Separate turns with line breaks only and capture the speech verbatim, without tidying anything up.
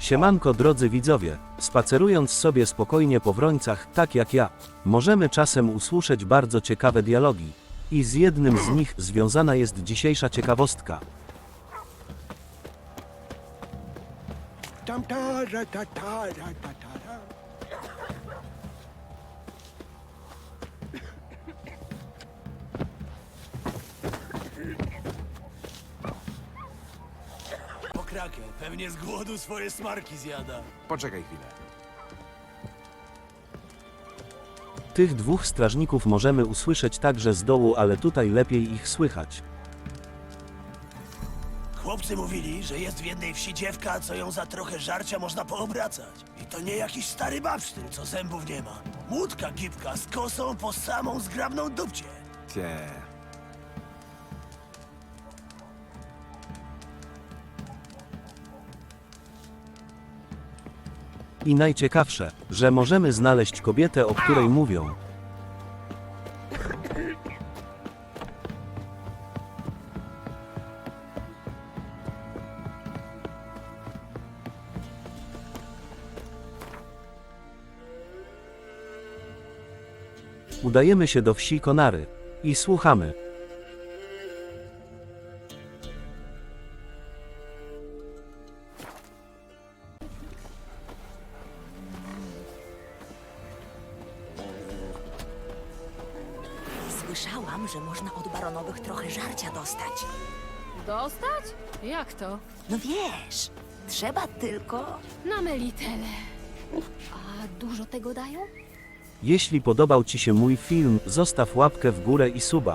Siemanko drodzy widzowie, spacerując sobie spokojnie po Wrońcach, tak jak ja, możemy czasem usłyszeć bardzo ciekawe dialogi. I z jednym z nich związana jest dzisiejsza ciekawostka.
Tam, ta, ra, ta, ta, ra, ta, ta, ra.
Pokrakę, pewnie z głodu swoje smarki zjada.
Poczekaj chwilę.
Tych dwóch strażników możemy usłyszeć także z dołu, ale tutaj lepiej ich słychać.
Chłopcy mówili, że jest w jednej wsi dziewka, co ją za trochę żarcia można poobracać. I to nie jakiś stary babsztyn, co zębów nie ma. Młódka gipka z kosą po samą zgrabną dupcie.
Cie.
I najciekawsze, że możemy znaleźć kobietę, o której mówią. Udajemy się do wsi Konary i słuchamy.
Słyszałam, że można od baronowych trochę żarcia dostać.
Dostać? Jak to?
No wiesz, trzeba tylko...
Na melitele. A dużo tego dają?
Jeśli podobał Ci się mój film, zostaw łapkę w górę i suba.